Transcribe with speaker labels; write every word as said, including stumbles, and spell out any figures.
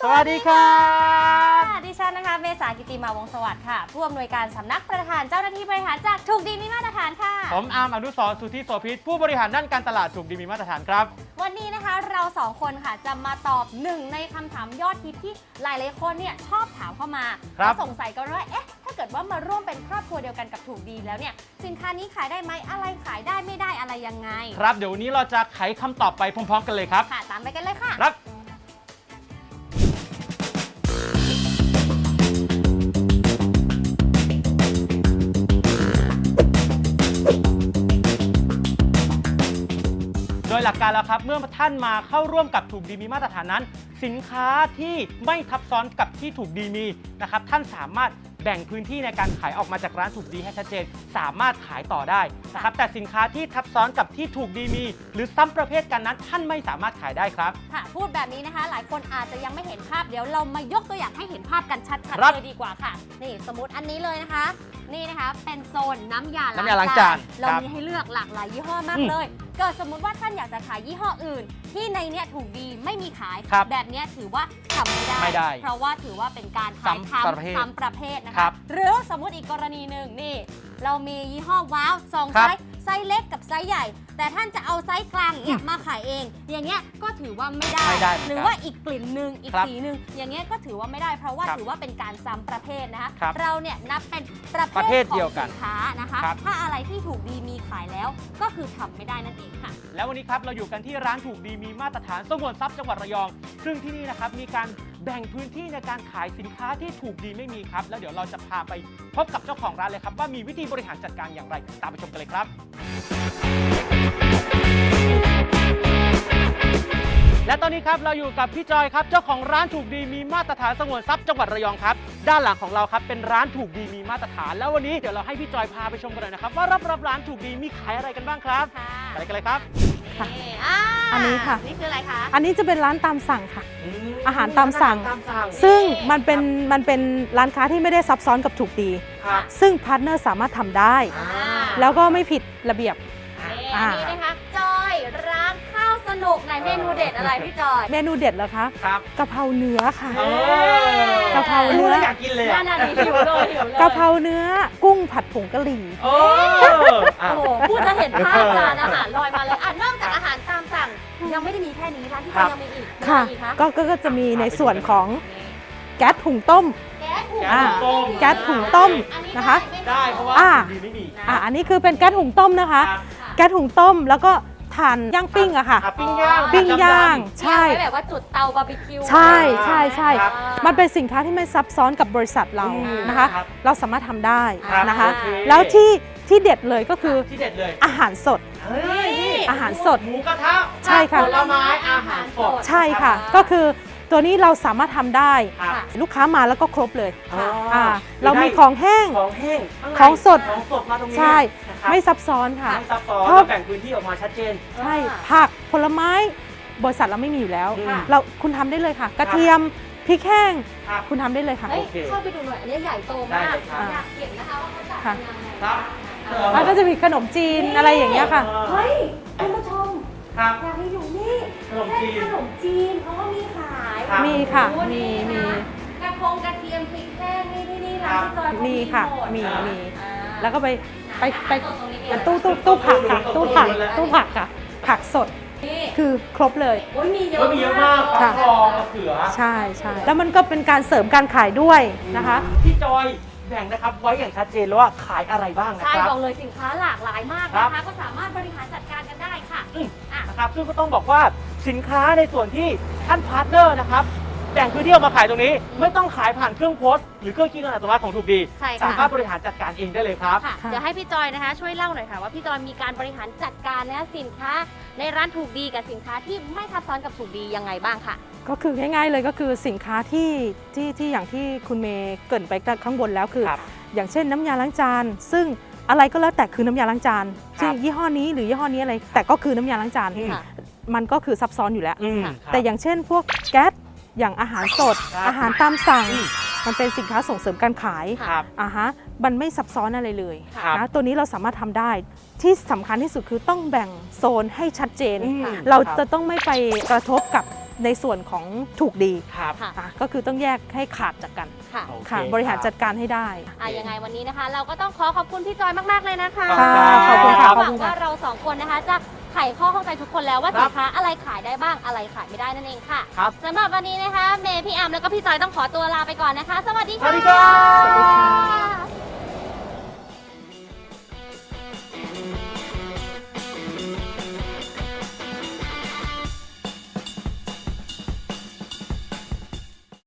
Speaker 1: วัสดีครับ
Speaker 2: ดิฉันนะคะเมษากิติมาวงศ์สวัสดิ์ค่ะผู้อำนวยการสำนักประธานเจ้าหน้าที่บริหารจากถูกดีมีมาตรฐานค่ะ
Speaker 1: ผมอาร์มอนุสรณ์สุทธิโสภิตผู้บริหารด้านการตลาดถูกดีมีมาตรฐานครับ
Speaker 2: วันนี้นะคะเราสองคนค่ะจะมาตอบหนึ่งในคำถามยอดฮิตที่หลายๆคนเนี่ยชอบถามเข้ามาแล้วสงสัยกันว่าเอ๊ะถ้าเกิดว่ามาร่วมเป็นครอบครัวเดียวกันกับถูกดีแล้วเนี่ยสินค้านี้ขายได้ไหมอะไรขายได้ไม่ได้อะไรยังไง
Speaker 1: ครับเดี๋ยววันนี้เราจะไขคำตอบไปพร้อมๆกันเลยครับ
Speaker 2: ค่ะตามไปกันเลยค่ะ
Speaker 1: ครับโดยหลักการแล้วครับเมื่อท่านมาเข้าร่วมกับถูกดีมีมาตรฐานนั้นสินค้าที่ไม่ทับซ้อนกับที่ถูกดีมีนะครับท่านสามารถแบ่งพื้นที่ในการขายออกมาจากร้านถูกดีให้ชัดเจนสามารถขายต่อได้นะครับแต่สินค้าที่ทับซ้อนกับที่ถูกดีมีหรือซ้ำประเภทกันนั้นท่านไม่สามารถขายได้ครับ
Speaker 2: ค่ะพูดแบบนี้นะคะหลายคนอาจจะยังไม่เห็นภาพเดี๋ยวเรามายกตัวอย่างให้เห็นภาพกันชัดๆเลยดีกว่าค่ะนี่สมมติอันนี้เลยนะคะนี่นะคะเป็นโซนน้ำยาล้างจานเรามีให้เลือกหลากหลายยี่ห้อมากเลยเกิดสมมุติว่าท่านอยากจะขายยี่ห้ออื่นที่ในเนี้ยถูกดีไม่มีขายแบบนี้ถือว่าทำไม่ได้
Speaker 1: ไม่ได้
Speaker 2: เพราะว่าถือว่าเป็นการขายทำซ้ำประเภทนะคะหรือสมมติอีกกรณีหนึ่งนี่เรามียี่ห้อว้าวสองไซส์ไซส์เล็กกับไซส์ใหญ่แต่ท่านจะเอาไซส์กลางเนี่ยมาขายเองอย่างเงี้ยก็ถือว่าไม่ได้หรือว่าอีกกลิ่นหนึ่งอีกสีหนึ่งอย่างเงี้ยก็ถือว่าไม่ได้เพราะว่าถือว่าเป็นการซ้ำประเภทนะคะเราเนี่ยนับเป็นประเภทของสินค้านะคะถ้าอะไรที่ถูกดีมีขายแล้วก็คือทำไม่ได้นั่นเองค่ะ
Speaker 1: แล้ววันนี้ครับเราอยู่กันที่ร้านถูกดีมีมาตรฐานสงวนทรัพย์จังหวัดระยองซึ่งที่นี่นะครับมีการแบ่งพื้นที่ในการขายสินค้าที่ถูกดีไม่มีครับแล้วเดี๋ยวเราจะพาไปพบกับเจ้าของร้านเลยครับว่ามีวิธีบริหารจัดการอย่างไรตามไปชมกันเลยครับและตอนนี้ครับเราอยู่กับพี่จอยครับเจ้าของร้านถูกดีมีมาตรฐานสงวนทรัพย์จังหวัดระยองครับด้านหลังของเราครับเป็นร้านถูกดีมีมาตรฐานแล้ววันนี้เดี๋ยวเราให้พี่จอยพาไปชมกันหน่อยนะครับว่ารอบๆร้านถูกดีมีขายอะไรกันบ้างครับไปกันเลยครับ
Speaker 3: อันนี้ค่ะ
Speaker 2: นี่คืออะไรคะ
Speaker 3: อันนี้จะเป็นร้านตามสั่งค่ะอาหารตามสั่งซึ่งมันเป็นมันเป็นร้านค้าที่ไม่ได้ซับซ้อนกับถูกดีซึ่งพาร์ทเนอร์สามารถทำได้แล้วก็ไม่ผิดระเบียบ
Speaker 2: อันนี้นะคะจอยร้านข้าวสนุกในเมนูเด็ดอะไรพี่จอย
Speaker 3: เมนูเด็ดเหรอคะ
Speaker 1: ครับ
Speaker 3: กะเพราเนื้อค่ะ
Speaker 1: กะเพราเนื้ออยากกินเลย
Speaker 2: น่าน่าดีหิวเลยหิวเลย
Speaker 3: กะเพราเนื้อกุ้งผัดผงกะหรี่
Speaker 1: โอ้
Speaker 2: โหพูดจะเห็นภาพร้านอาหารลอยมาเลยอ่ะนอกจากอาหารตามสั่งยังไม่ได้มีแค่นี้ร้านที่ยังมีอีก
Speaker 3: ค่ะก็ก็จะมีในส่วนของแก๊สหุงต้ม
Speaker 2: แก๊สหุง
Speaker 3: ต้มแก๊สหุงต้มนะคะ
Speaker 1: ได้เพราะว่าดีไม่มี
Speaker 3: อ่ะอันนี้คือเป็นแก๊สหุงต้มนะคะแก๊สหุงต้มแล้วก็ทานย่างปิ้งอะค่ะ
Speaker 1: ปิ้งย่าง
Speaker 3: ปิ้งย่างใช่
Speaker 2: แบบว่าจุดเตาบาร์บีคิว
Speaker 3: ใช่ใช่ใช่มันเป็นสินค้าที่ไม่ซับซ้อนกับบริษัทเรานะคะเราสามารถทำได้นะคะแล้วที่ที่เด็ดเลยก็คือ
Speaker 1: ที่เด็ดเลย
Speaker 3: อาหารสดอาหารสด
Speaker 1: หมูกระทะ
Speaker 3: ใช่ค่ะ
Speaker 1: ผลไม้อาหารสด
Speaker 3: ใช่ค่ะก็คือตัวนี้เราสามารถทำได้ลูกค้ามาแล้วก็ครบเลยเรามีของแห้ง
Speaker 1: ของแห้ง
Speaker 3: ของสด
Speaker 1: ของสดมาตรงนี้
Speaker 3: ใช่ไม่ซับซ้อนค่ะ
Speaker 1: ไม่ซับซ้อนแบ่งพื้นที่ออกมาชัดเจน
Speaker 3: ใช่ผักผลไม้บริษัทเราไม่มีอยู่แล้วเราคุณทำได้เลยค่ะกระเทียมพริกแห้งคุณทำได้เลยค่ะ
Speaker 2: เข้าไปดูหน่อยอันนี้ใหญ่โตมากอยากเห็นนะคะว่าเขาจัดยังไง
Speaker 1: ครับ
Speaker 3: แล้วก็จะมีขนมจีนอะไรอย่างเงี้ยค่ะ
Speaker 2: เฮ้ยคุณผู้ชมอยากให้อยู่นี่ขนมจีนขนมจีนเพราะว่ามีขาย
Speaker 3: มีค่ะมีมี
Speaker 2: กระพงกระเทียมพริกแห้งนี่ที่นี่ร้านที่จอย
Speaker 3: มีค่ะมีมีแล้วก็ไปไปไปตู้ตู้ตู้ผักค่ะตู้ผักตู้ผักค่ะผักสดคือครบเลย
Speaker 2: โอ้ยมีเยอะ
Speaker 1: มีเยอะมากค่ะทองมะเขือ
Speaker 3: ใช่ใช่แล้วมันก็เป็นการเสริมการขายด้วยนะคะ
Speaker 1: พี่จอยแบ่งนะครับไว้อย่างชัดเจนแล้วว่าขายอะไรบ้างนะครับ
Speaker 2: ใช่บอกเลยสินค้าหลากหลายมากนะคะก็สามารถบริหารจัดการกันได้ค่ะ
Speaker 1: นะครับซึ่งก็ต้องบอกว่าสินค้าในส่วนที่ท่านพาร์ทเนอร์นะครับแบ่งพื้นที่ออกมาขายตรงนี้ไม่ต้องขายผ่านเครื่องโพสต์หรือเครื่องคิดเงินอัตโนมัติของถูกดีสามารถบริหารจัดการเองได้เลยครับ
Speaker 2: เดี๋ยวให้พี่จอยนะคะช่วยเล่าหน่อยค่ะว่าพี่จอยมีการบริหารจัดการนะสินค้าในร้านถูกดีกับสินค้าที่ไม่ทับซ้อนกับถูกดียังไงบ้างค่ะ
Speaker 3: ก็คือง่ายๆเลยก็คือสินค้าที่ที่ที่อย่างที่คุณเมย์เกริ่นไปข้างบนแล้วคืออย่างเช่นน้ำยาล้างจานซึ่งอะไรก็แล้วแต่คือน้ำยาล้างจานซึ่งยี่ห้อนี้หรือยี่ห้อนี้อะไรแต่ก็คือน้ำยาล้างจานมันก็คือซับซ้อนอยู่แล้วแต่อย่างเช่นพวกแก๊สอย่างอาหารสดอาหารตามสั่งมันเป็นสินค้าส่งเสริมการขายอ่าฮะมันไม่ซับซ้อนอะไรเลยนะตัวนี้เราสามารถทำได้ที่สำคัญที่สุดคือต้องแบ่งโซนให้ชัดเจนเราจะต้องไม่ไปกระทบกับในส่วนของถูกดี
Speaker 1: ครับ
Speaker 2: ค่ะ
Speaker 3: อ่ะก็คือต้องแยกให้ขาดจากกัน
Speaker 2: ค่ะ
Speaker 1: โอเค
Speaker 3: ค่ะบริหารจัดการให้ได้
Speaker 2: อ่ะยังไงวันนี้นะคะ เราก็ต้องขอขอบคุณพี่จอยมาก ๆ เลยนะคะ
Speaker 3: ขอบคุณค่ะ
Speaker 2: หวั
Speaker 3: ขอบคุ
Speaker 2: ง
Speaker 3: ณค่ะ
Speaker 2: ว่าเราสองคนนะคะจะไขข้อข้องใจทุกคนแล้วว่า
Speaker 1: ครั
Speaker 2: สิ
Speaker 1: บ
Speaker 2: นค้าอะไรขายได้บ้างอะไรขายไม่ได้นั่นเองค่ะ
Speaker 1: ครับ
Speaker 2: สำหรับวันนี้นะคะ เมย์พี่แอมแล้วก็พี่จอยต้องขอตัวลาไปก่อนนะคะ สวัสดี
Speaker 1: ส
Speaker 2: ค่ะ
Speaker 1: วัสดีครับ
Speaker 3: สวัสดีค่ะ